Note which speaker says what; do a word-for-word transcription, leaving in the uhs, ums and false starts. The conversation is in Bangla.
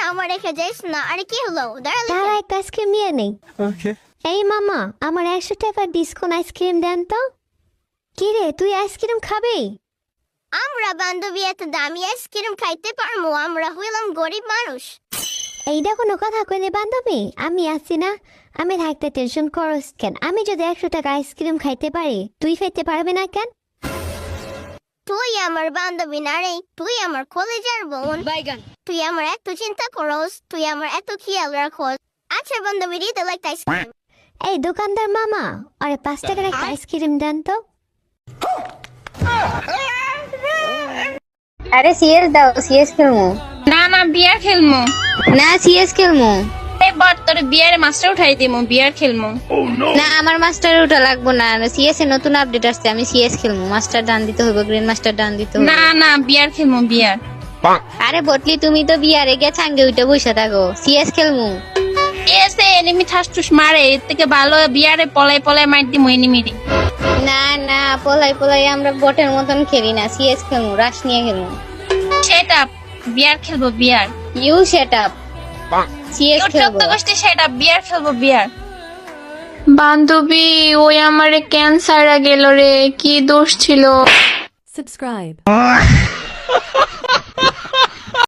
Speaker 1: আমার রেখে যাইস না। আরে কি হলো? দাঁড়ালে
Speaker 2: তারা
Speaker 1: কেন?
Speaker 2: একটা আইসক্রিম নিয়ে নেই।
Speaker 3: Okay.
Speaker 2: এই মামা, আমার একশো টাকার ডিসকাউন্ট আইসক্রিম দেন তো। কি রে, তুই আইসক্রিম খাবি?
Speaker 1: আমরা বান্ধবী এত দামি আইসক্রিম খাইতে পারবো? আমরা হইলাম গরিব মানুষ।
Speaker 2: এইটা কোনো কথা কইলে বান্ধবী? আমি আছি না, আমি থাকতে টেনশন করস কেন? আমি যদি একশো টাকা আইসক্রিম খাইতে পারি, তুই খাইতে পারবি না কেন?
Speaker 1: তুই আমার বান্ধবী না রে, তুই আমার কলেজের বোন। তুই আমার এত চিন্তা করস, তুই আমার এত খেয়াল রাখস। আচ্ছা বান্ধবী, দিতে লাগতে আইসক্রিম।
Speaker 2: এই দোকানদার মামা, আরে পাঁচ টাকার একটা আইসক্রিম দেন তো।
Speaker 4: আরে সিএস দাও, সিএস খেলমু।
Speaker 5: না না বিয়ার খেলমু।
Speaker 4: না সিএস খেলমু।
Speaker 5: এই বর তোর বিয়ার মাস্টার উঠাই দিমু, বিয়ার খেলমু।
Speaker 4: না আমার মাস্টার ওটা লাগবো না, সিএস এর নতুন আপডেট আসছে, আমি সিএস খেলমু। মাস্টার ডান দিতে হবে, গ্রিন মাস্টার ডান দিতে হবে।
Speaker 5: না না বিয়ার খেলমু, বিয়ার।
Speaker 4: আরে বটলি তুমি তো বিয়ারে গে ছাঙ্গে উঠে বসে থাকো, সিএস খেলমু।
Speaker 5: এসে এনিমি ঠাসঠুস মারে, এর থেকে ভালো বিয়ারে পলাই পলাই মার দিমু এনিমিরে।
Speaker 4: না না পলাই পলাই আমরা বটের মতন খেলি না, সিএস খেলমু, রাশ নিয়ে খেলমু।
Speaker 5: সেট আপ, বিয়ার খেলবো বিয়ার।
Speaker 4: ইউ সেট আপ, সিএস
Speaker 5: তোর
Speaker 4: খেলবো।
Speaker 5: চোদ্দ গোষ্ঠী সেট আপ, বিয়ার খেলবো বিয়ার। বান্ধবী, ওই আমারে ক্যান্সার গেল রে, কি দোষ ছিল?
Speaker 6: Subscribe.